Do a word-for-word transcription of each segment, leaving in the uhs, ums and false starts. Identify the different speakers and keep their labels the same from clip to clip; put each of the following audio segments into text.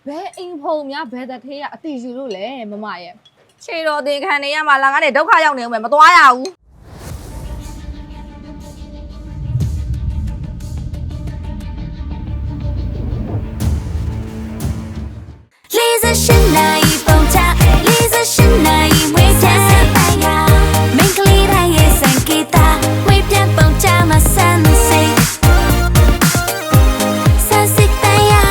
Speaker 1: ဘယ်အိမ်ဖုံများဘယ်တထေးကအတီယူလို့လဲမမရဲ့
Speaker 2: ခြေတော်တင်ခံနေရမှာလာငါနဲ့ဒုက္ခရောက်နေဦးမယ်မသွားရဘူး
Speaker 3: လေးစရှင်နိုင်ပုံချလေးစရှင်နိုင်ဝေးချမ်းပိုင်ယာမင်္ဂလိတိုင်းရဲ့စံကေတာဝေးပြန်ပုံချမှာဆန်းစိတ်ဆန်းစိတ်တိုင်ယာ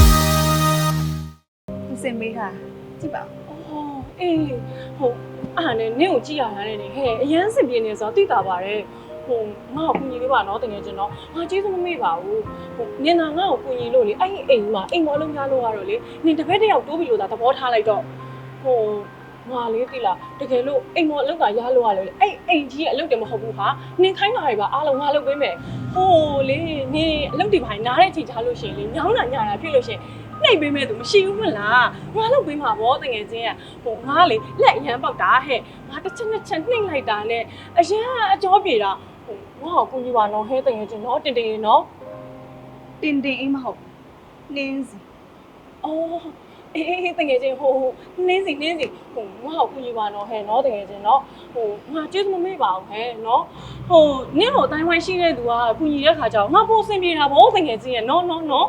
Speaker 4: စင်မေးတာကြည့်ပါ
Speaker 5: အော်အေးဟုတ်အားနဲ့နင့်ကိုကြည့်ရတာနဲ့ဟဲ့အရန်စင်ပြင်းနေဆိုတော့သိတာပါတယ်ဟိုငါ့ကိုကူညီလေးပါနော်တကယ်ကျွန်တော်ငါကျေးဇူးမမေ့ပါဘူးဟိုနင်သာငါ့ကိုကူညီလို့လေအဲ့ဒီအိမ်မှာအိမ်မအလုံးများလို့ရတော့လေနင်တစ်ဖက်တစ်ယောက်တိုးပြီးလို့သာသဘောထားလိုက်တော့ဟိုငါလေးသိလားတကယ်လို့အိမ်မအလုံးကရလို့ရလို့လေအဲ့အိမ်ကြီးရဲ့အလုပ်တယ်မဟုတ်ဘူးဟာနင်ခိုင်းတာတွေပါအားလုံးငါလုပ်ပေးမယ်ဟိုလေနင်အလုပ်တွေပါနားတဲ့အချိန်ချလို့ရှိရင်လေညောင်းတာညတာဖြစ်လို့ရှိရင်နှိပ်ပေးမဲ့သူမရှိဘူးမလားငါလုပ်ပေးမှာဗောတကယ်ချင်းကဟိုငါလေလက်အရန်ပေါက်တာဟဲ့ငါတစ်ချက်နှစ်ချက်နှိပ်လိုက်တာနဲ့အရန်အကြောပြေတာဟိုငါ့ကိုကူညီပါနော်ဟဲ့တကယ်ချင်းနော်တင်တင်နော်
Speaker 4: တင်တင်အိမ်မဟုတ်နင်းစီ
Speaker 5: အော်အေးအေးတကယ်ချင်းဟိုနင်းစီနင်းစီဟိုငါ့ကိုကူညီပါနော်ဟဲ့နော်တကယ်ချင်းနော်ဟိုငါကျေးဇူးမမေ့ပါဘူးဟဲ့နော်ဟိုနင်းကိုအတိုင်းဝိုင်းရှိတဲ့သူကကူညီတဲ့ခါကျတော့ငါပို့အဆင်ပြေတာဗောတကယ်ချင်းရဲ့နော်နော်နော်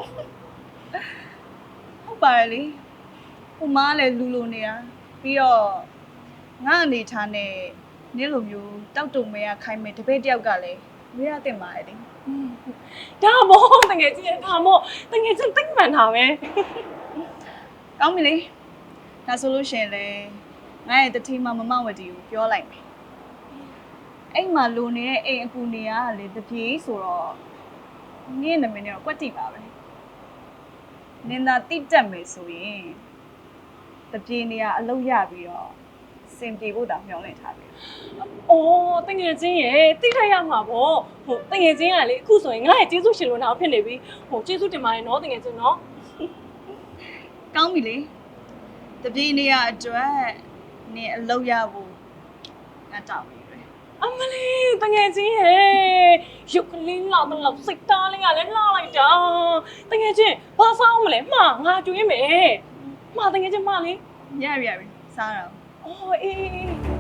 Speaker 4: ဟုတ်ပါလေဟိုမားလည်းလူလိုနေတာပြီးတော့ငါအနေထားနဲ့နင်းလိုမျိုးတောက်တုံမဲရခိုင်းမယ်တပည့်တယောက်ကလည်းမရတင်ပါလေ
Speaker 5: ဒါမို့တကယ်ချင်းဒါမို့တကယ်ချင်းတိတ်မှန်တာပဲ
Speaker 4: ကောင်းပြီလေဒါဆိုလို့ရှင်လေငါရဲ့တတိမမမဝတီကိုပြောလိုက်မယ်အိမ်မှာလိုနေတဲ့အိမ်အကူနေရလေတပြေးဆိုတော့နင်းနာမည်နဲ့တော့ကွက်တိပါပဲနင်သာတိတက်မယ်ဆိုရင်တပြေးနေရအလုပ်ရပြီးတော့စင်ပြေဖို့တောင်မျှော်လင့်ထားတယ်
Speaker 5: ။အော်တငယ်ချင်းရဲ့တိထိုက်ရမှာပေါ့။ဟိုတငယ်ချင်းကလေအခုဆိုရင်ငါ့ရဲ့ကျေးဇူးရှင်လို့နောက်ဖြစ်နေပြီ။ဟိုကျေးဇူးတင်ပါတယ်နော်တငယ်ချင်းနော်
Speaker 4: ။ကောင်းပြီလေ။တပြေးနေရအတွက်နင်အလုပ်ရဖို့ငါတောင်းပြီပဲ
Speaker 5: ။အမလေးတငယ်ချင်းရဲ့ရုပ်ကလေးလာတော့စိတ်သားလေးကလည်းလှလိုက်တာ။တငယ်ချင်းဘာစားမလဲ။မှာငါကျွေးမယ်။မှာတငယ်ချင်းမလေး
Speaker 4: ရရပြီစားတော့
Speaker 5: အော်အေး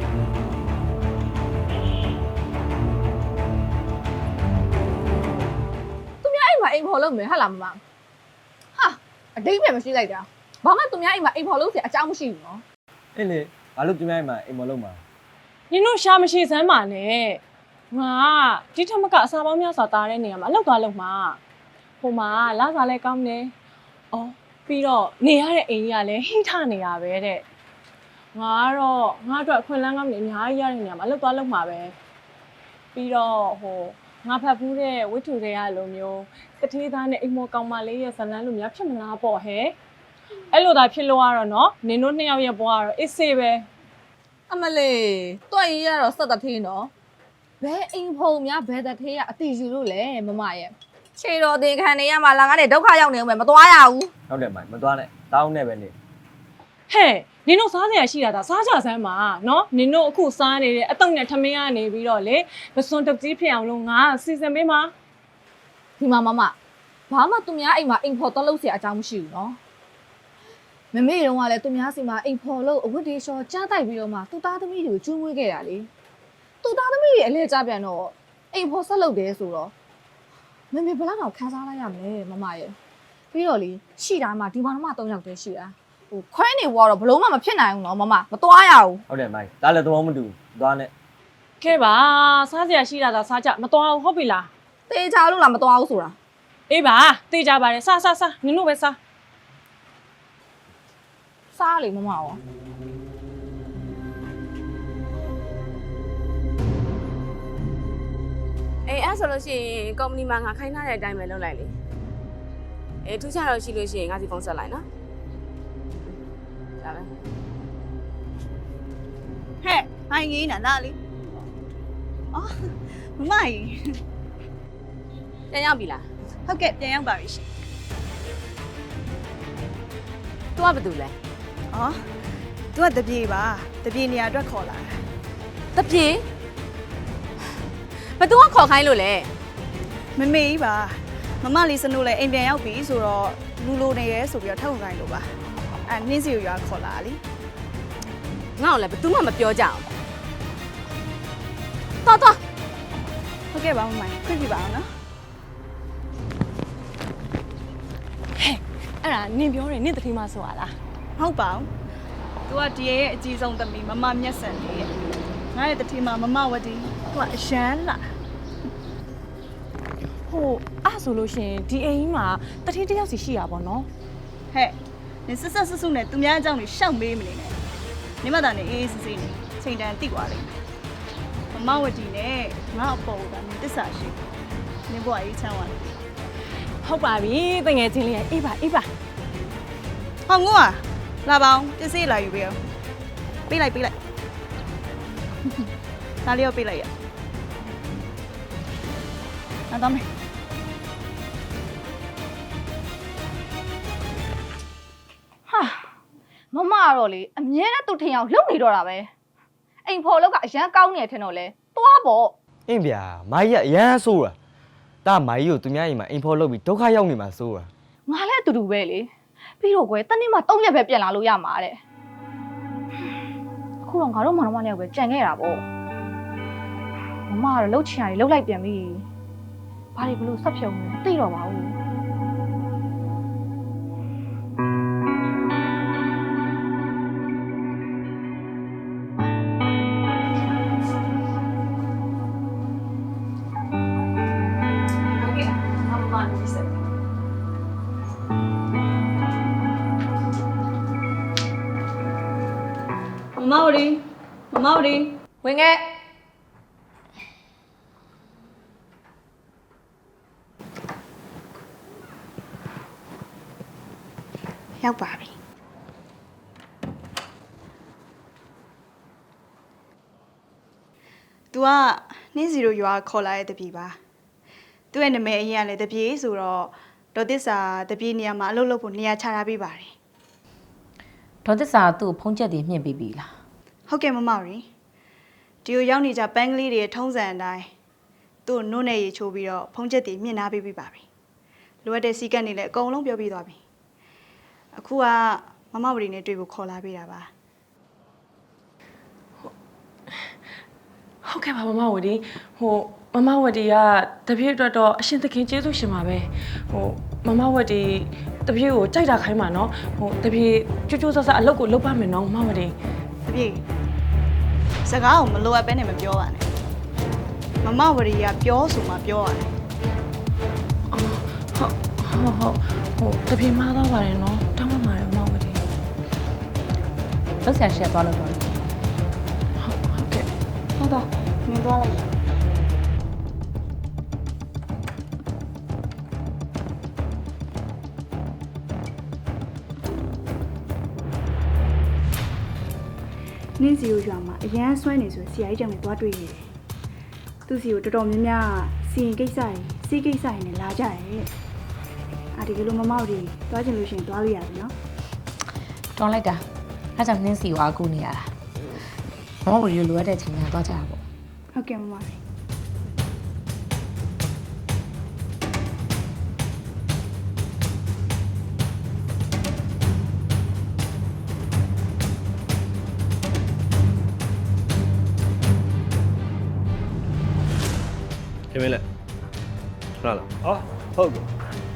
Speaker 1: သူများအိမ်မှာအိမ်ဖော်လို့မယ်ဟာလားမမဟာအတိတ်ပဲမရှိလိုက်တာဘာမှသူများအိမ်မှာအိမ်ဖော်လို့ဆရာအကြောင်းမရှိဘူးနော်
Speaker 6: အေးလေဘာလို့သူများအိမ်မှာအိမ်မလုံးမှာ
Speaker 5: နင်တို့ရှာမရှိစမ်းပါနဲ့ငါဒီထက်မကအစာပေါင်းများစွာတားတဲ့နေရာမှာအလောက်သွားလောက်မှာဟိုမှာလာစားလဲကောင်းတယ်အော်ပြီးတော့နေရတဲ့အိမ်ကြီးကလည်းဟိထနေတာပဲတဲ့ငါကတော့ငါအတွက်အခွင့်အလမ်းကောင်းနေအများကြီးရတဲ့နေရာမှာအလုပ်သွားလုပ်မှာပဲပြီးတော့ဟိုငါဖတ်ဖူးတဲ့ဝိထုတွေကလိုမျိုးတထေးသားနဲ့အိမ်မော်ကောင်မလေးရဲ့ဇလန်းလိုများဖြစ်မလားပေါ့ဟဲ့အဲ့လိုသာဖြစ်လို့ရတော့နော်နင်တို့နှစ်ယောက်ရဲ့ဘဝကတော့အစ်စေးပဲ
Speaker 1: အမလေးတွက်ရရတော့စက်တထေးနော်ဘယ်အိမ်ဖုံများဘယ်တထေးကအတီယူလို့လဲမမရဲ့
Speaker 2: ခြေတော်တင်ခံနေရမှာလာငါနဲ့ဒုက္ခရောက်နေဦးမယ်မသွားရဘူး
Speaker 6: ဟုတ်တယ်မိုင်မသွားနဲ့တောင်းနဲ့ပဲနေ
Speaker 5: ဟဲ့နင်တို့စားစရာရှိတာဒါစားကြစမ်းပါနော်နင်တို့အခုစားနေတဲ့အတုံနဲ့ထမင်းကနေပြီးတော့လေမစွန်တကြီးဖြစ်အောင်လို့ငါစီစဉ်ပေးမှာ
Speaker 1: ဒီမှာမမဘာမှသူများအိမ်မှာအိမ်ဖော်တော့လို့ဆရာအကြောင်းမရှိဘူးနော်မမေတုန်းကလည်းသူများစီမှာအိမ်ဖော်လို့အဝတ်တွေလျှော်ကြားတိုက်ပြီးတော့မှသူသားသမီးတွေကိုကျွေးမွေးခဲ့ရလေသူသားသမီးတွေအလဲကြပြန်တော့အိမ်ဖော်ဆက်လုပ်တယ်ဆိုတော့မမေဘလောက်တော့ခန်းစားလိုက်ရမလဲမမရဲ့ပြီးတော့လေရှိတာမှဒီမှာတော့မှ၃ယောက်တည်းရှိတာဟိုခွဲနေဘွားတော့ဘလုံးမမဖြစ်နိုင်ဘူးနော်မမမသွားရဘူး
Speaker 6: ဟုတ်တယ်မိုင်ဒါလည်းသဘောမတူသွားနဲ့
Speaker 5: ကဲပါစားစရာရှိတာဒါစားကြမသွားဘူးဟုတ်ပြီလား
Speaker 1: တေးချလို့လားမသွားဘူးဆိုတာ
Speaker 5: အေးပါတေးကြပါတယ်စားစားစားနင်တို့ပဲစား
Speaker 1: စားလေမမရော
Speaker 2: အေးအဲ့ဆိုလို့ရှိရင်ကုမ္ပဏီမှာငါခိုင်းထားတဲ့အတိုင်းပဲလုပ်လိုက်လေအေးထူးခြားတော့ရှိလို့ရှိရင်ငါစီဖုန်းဆက်လိုက်နော်ဒါပဲ
Speaker 4: ဟဲ့ဟိုင်းကြီးနာလားလေအော်မမကြီး
Speaker 2: ပြန်ရောက်ပြီလား
Speaker 4: ဟုတ်ကဲ့ပြန်ရောက်ပါပြီရှင်
Speaker 2: तू ကဘာတူလဲ
Speaker 4: အော် तू ကတပြေပါတပြေနေရာအတွက်ခေါ်လာ
Speaker 2: တာတပြေဘသူကခေါ်ခိုင်းလို့လဲ
Speaker 4: မမေကြီးပါမမလေးစနိုးလည်းအိမ်ပြန်ရောက်ပြီဆိုတော့လူလိုနေရဲဆိုပြီးတော့ထောက်ခိုင်းလို့ပါအဲနင်းစီကိုရွာခေါ်လာလी
Speaker 2: ငါ့ကိုလည်းဘယ်သူမှမပြောကြအောင်တော်တော်
Speaker 4: ဟုတ်ကဲ့ပါမမိုင်ခွင့်ပြပါအောင်နော်
Speaker 5: အဲ့ဒါနင်ပြောတယ်နင်တတိမဆိုရလား
Speaker 4: ဟုတ်ပါဘူး तू ကဒီရဲ့အကြီးဆုံးသမီးမမမျက်စံလေးရဲ့ငါရဲ့တတိမမမဝတီ तू ကအရန်လာ
Speaker 5: ဟိုအဲ့ဆိုလို့ရှိရင်ဒီအိမ်ကြီးမှာတတိတယောက်စီရှိရပါတော့
Speaker 4: ဟဲ့နင်ဆက်ဆက်ဆဆုနဲ့သူများအကြောင်းတွေရှောက်မေးမနေနဲ့နေမတာနဲ့အေးအေးဆေးဆေးနေချိန်တန်တိသွားလိမ့်မယ်မမဝတီနဲ့ငါအပေါ်ကနင်တစ္ဆာရှိနင်ဘွားကြီးချမ်းသွားတယ်
Speaker 5: ဟုတ်ပါပြီတငယ်ချင်းလေးရဲ့အေးပါအေးပါ
Speaker 4: ဟောငို့อ่ะလာပါအောင်ပစ္စည်းလာယူပေးအောင်ပေးလိုက်ပေးလိုက်ဒါလေးရောပေးလိုက်ရနားတော့မယ်
Speaker 1: ဟာမမကတော့လေအမြဲတမ်းသူ့ထင်အောင်လုံနေတော့တာပဲအိမ်ဖော်လောက်ကအရန်ကောင်းနေတယ်ထင်တော့လေသွားပေါ့
Speaker 6: အင်းဗျာမာကြီးကအရန်ဆိုးတာဒါမာကြီးကိုသူများအိမ်မှာအိမ်ဖော်လုပ်ပြီးဒုက္ခရောက်နေမှာဆိုးတာ
Speaker 1: ငါလည်းအတူတူပဲလေပြီးတော့ကွယ်တနေ့မှ၃ရက်ပဲပြန်လာလို့ရမှာတဲ့အခုတော့ငါတို့မောင်နှမနဲ့ပဲကြံခဲ့တာပေါ့မမကတော့လှုပ်ချင်ရတယ်လှုပ်လိုက်ပြန်ပြီဘာတွေဘလို့ဆက်ဖြုံနေသိတော့ပါဘူး
Speaker 4: မမဝတီမမဝတီ
Speaker 1: ဝင်ခဲ့
Speaker 4: ရောက်ပါပြီ तू ကနင်းစီတို့ရွာခေါ်လာတဲ့တပြေပါသူ့ရဲ့နာမည်အရင်ကလည်းတပြေဆိုတော့ဒေါ်သစ္စာတပြေနေရာမှာအလုပ်လုပ်ဖို့နေရာချထားပေးပါတယ်
Speaker 7: ဒေါ်သစ္စာသူ့ဖုံးချက်တွေမြင့်ပေးပြီလား
Speaker 4: ဟုတ်ကဲ့မမရီဒီကိုရောက်နေကြပန်းကလေးတွေထုံးစံအတိုင်းသူ့နို့နဲ့ရေချိုးပြီးတော့ဖုံးချက်တွေမြင့်နာပေးပြီးပါပြီလိုအပ်တဲ့စီကတ်တွေလည်းအကုန်လုံးပြောပြသွားပြီအခုကမမဝရီနဲ့တွေ့ဖို့ခေါ်လာပေးတာပါ
Speaker 5: ဟုတ်ကဲ့ပါမမဝတီဟိုမမဝတီကတပြည့်အတွက်တော့အရှင်သခင်ကျေးဇူးရှင်ပါပဲဟိုမမဝတီတပြည့်ကိုကြိုက်တာခိုင်းပါနော်ဟိုတပြည့်ကြိုးကြိုးဆဆအလုပ်ကိုလုပ်ပါမယ်နော်မမဝတီ
Speaker 4: တပြေစကားကိုမလိုအပ်ပဲနဲ့မပြောပါနဲ့မမဝရီကပြောဆိုမှပြောရတယ်
Speaker 5: ဟုတ်ဟုတ်ဟုတ်ဟိုတပြည့်မှားတော့ပါတယ်နော်တောင်းပါပါတယ်မမဝတီ
Speaker 7: လောက်ဆရာရှက်သွားလို့ပြောတယ်
Speaker 5: ဟုတ်ကဲ့
Speaker 4: ဟုတ်တော့မင်းသွားလိုက်ရနင်းစီကိုရွာမှာအရန်ဆွဲနေဆိုဆရာကြီးကြောင့်လည်းသွားတွေ့နေတယ်သူစီကိုတော်တော်များများစီရင်ကိစ္စတွေစီးကိစ္စတွေနဲ့လာကြတယ်အာဒီကလေးမမောက်တွေသွားချင်လို့ရှိရင်သွားလို့ရတယ်နော်
Speaker 7: တွန်းလိုက်တာအဲကြောင့်နင်းစီကိုအကူနေရတာမမဝရီလိုရတဲ့ချိန်ကသွားကြတာပေါ့
Speaker 4: ဟုတ်ကဲ့မမတွေ
Speaker 8: ခင်မင်းလက်ဟုတ်လား
Speaker 6: ဟောဟုတ်ကဲ့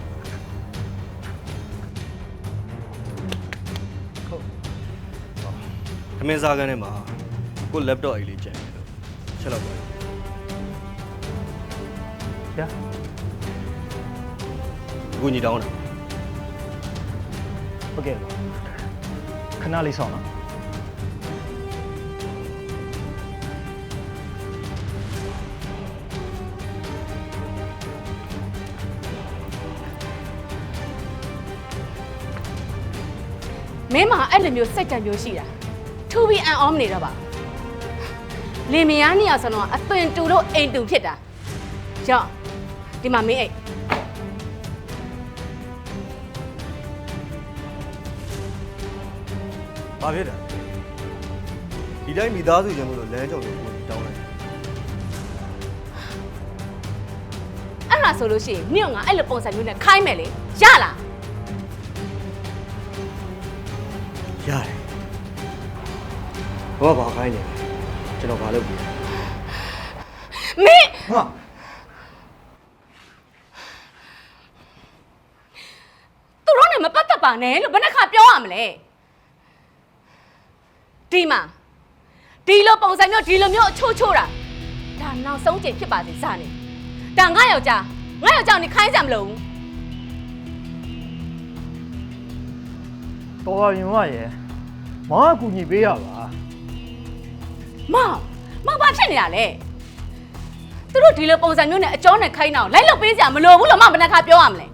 Speaker 8: ခင်မင်းစားကန်းထဲမှာကို laptop အိတ်လေးကျန်တယ်လို့ချက်တော့ပါ
Speaker 6: ဗျာ
Speaker 8: အခုညီတောင်းတာ
Speaker 6: ဟုတ်ကဲ့ခဏလေးဆောင်နော်
Speaker 2: မင်းမအဲ့လိုမျိုးစိတ်ဓာတ်မျိုးရှိတာထူပြီးအန်အောမနေတော့ပါလင်မယားနှစ်ယောက်စလုံးကအသွင်တူလို့အိမ်တူဖြစ်တာကြောင့်ဒီမှာမင်းအိတ်
Speaker 8: ဘာဖြစ်တာဒီတိုင်းမိသားစုချင်းလို့လမ်းကြောင်ကိုကိုတောင်းလိုက်
Speaker 2: အဲ့ဒါဆိုလို့ရှိရင်မြို့ငါအဲ့လိုပုံစံမျိုးနဲ့ခိုင်းမယ်လေရလား
Speaker 8: ရတယ်ဘာဘာခိုင်းနေလဲကျွန်တော်ဘာလုပ်ပြီ
Speaker 2: မင်း
Speaker 8: ဟာ
Speaker 2: သူတို့နဲ့မပတ်သက်ပါနဲ့လို့ဘယ်နှခါပြောရမလဲဒီမှာဒီလိုပုံစံမျိုးဒီလိုမျိုးအချို့ချို့တာဒါနောက်ဆုံးချိန်ဖြစ်ပါစေစနေဒါငါယောက်ျားငါယောက်ျားနေခိုင်းကြမလို့
Speaker 9: တော်ပါရင်မရဲ့မောင်ကကူညီပေးရပါ
Speaker 2: မောင်မောင်ဘာဖြစ်နေတာလဲသူတို့ဒီလိုပုံစံမျိုးနဲ့အကျော်နဲ့ခိုင်းတာကိုလိုက်လုပ်ပေးစရာမလိုဘူးလို့မောင်ဘယ်နှခါပြောရမလဲ